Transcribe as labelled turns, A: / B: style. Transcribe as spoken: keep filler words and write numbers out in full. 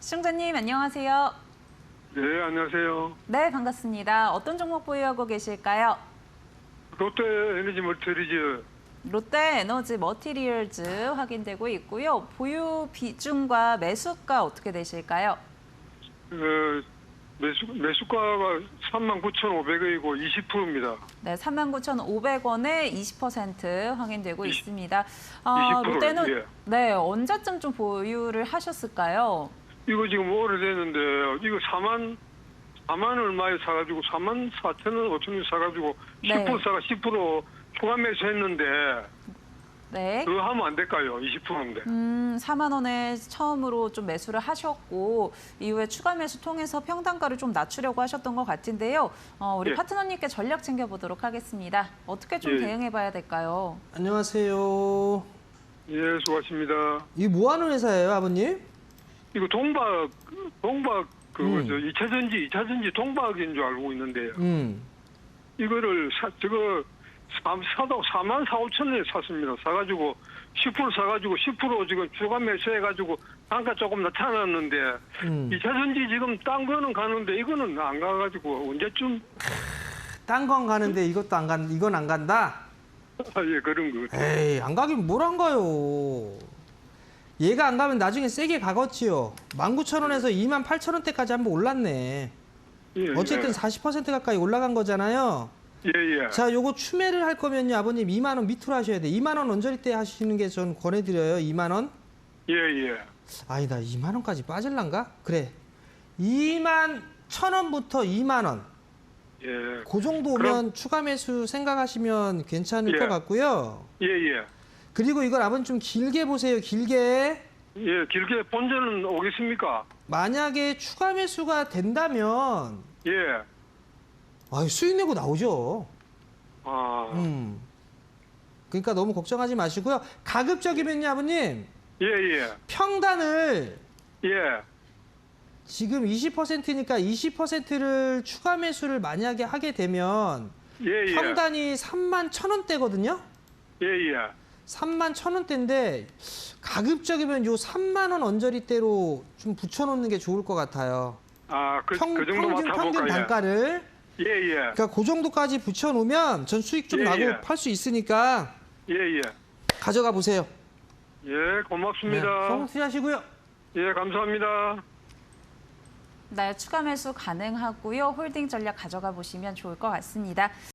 A: 시청자님 안녕하세요.
B: 네, 안녕하세요.
A: 네, 반갑습니다. 어떤 종목 보유하고 계실까요?
B: 롯데 에너지 멀티리즈.
A: 롯데 에너지 머티리얼즈 확인되고 있고요. 보유 비중과 매수가 어떻게 되실까요?
B: 어, 매수, 매수가가 삼만 구천오백 원이고 이십 퍼센트입니다.
A: 네, 삼만 구천오백 원에 이십 퍼센트 확인되고
B: 이십,
A: 있습니다. 어,
B: 이십 퍼센트,
A: 롯데는
B: 예.
A: 네, 언제쯤 좀 보유를 하셨을까요?
B: 이거 지금 오래됐는데, 이거 사만, 사만 얼마에 사가지고, 사만 사천 원, 오천 원 사가지고,
A: 네.
B: 십 퍼센트 사가 십 퍼센트 추가 매수했는데,
A: 네.
B: 그거 하면 안 될까요? 이십 퍼센트인데.
A: 음, 사만 원에 처음으로 좀 매수를 하셨고 이후에 추가 매수 통해서 평단가를 좀 낮추려고 하셨던 것 같은데요. 어, 우리
B: 예.
A: 파트너님께 전략 챙겨보도록 하겠습니다. 어떻게 좀
B: 예.
A: 대응해봐야 될까요?
C: 안녕하세요.
B: 예, 수고하십니다.
C: 이게 뭐 하는 회사예요, 아버님?
B: 이거 동박, 동박, 그거,
C: 음.
B: 저, 이 차 전지, 이 차 전지 동박인 줄 알고 있는데요.
C: 음.
B: 이거를 사, 저거 사, 사도 사만 사오천 원에 샀습니다. 사가지고 십 퍼센트 사가지고 십 퍼센트 지금 추가 매수해가지고 단가 조금 나타났는데
C: 음.
B: 이 차 전지 지금 딴 거는 가는데 이거는 안 가가지고 언제쯤
C: 딴 건 가는데 이것도 안 간, 이건 안 간다?
B: 아, 예 그런 거.
C: 에이, 안 가긴 뭘 안 가요. 얘가 안 가면 나중에 세게 가겠지요. 만 구천 원에서 이만 팔천 원대까지 한번 올랐네.
B: 예,
C: 어쨌든 사십 퍼센트 가까이 올라간 거잖아요.
B: 예, 예.
C: 자, 요거 추매를 할 거면요, 아버님 이만 원 밑으로 하셔야 돼. 이만 원 언저리 때 하시는 게 전 권해드려요, 이만 원.
B: 예, 예.
C: 아니다, 이만 원까지 빠질란가? 그래. 이만 천 원부터 이만 원.
B: 예.
C: 그 정도 오면
B: 그럼-
C: 추가 매수 생각하시면 괜찮을
B: 예.
C: 것 같고요.
B: 예, 예.
C: 그리고 이걸 아버님 좀 길게 보세요. 길게.
B: 예, 길게 본전은 오겠습니까?
C: 만약에 추가 매수가 된다면
B: 예.
C: 아, 수익 내고 나오죠.
B: 아,
C: 음. 그러니까 너무 걱정하지 마시고요. 가급적이면요, 아버님.
B: 예, 예.
C: 평단을
B: 예.
C: 지금 이십 퍼센트니까 이십 퍼센트를 추가 매수를 만약에 하게 되면
B: 예, 예.
C: 평단이 삼만 천 원대거든요.
B: 예, 예.
C: 삼만 천 원대인데 가급적이면 요 삼만 원 언저리대로 좀 붙여놓는 게 좋을 것 같아요.
B: 아, 그,
C: 평,
B: 그 정도
C: 평균, 평균
B: 맡아볼까요?
C: 단가를.
B: 예, 예.
C: 그러니까 그 정도까지 붙여놓으면 전 수익 좀
B: 예,
C: 나고
B: 예.
C: 팔 수 있으니까
B: 예, 예.
C: 가져가 보세요.
B: 예, 고맙습니다.
C: 성공 투자하시고요.
B: 예, 감사합니다.
A: 네, 추가 매수 가능하고요. 홀딩 전략 가져가 보시면 좋을 것 같습니다.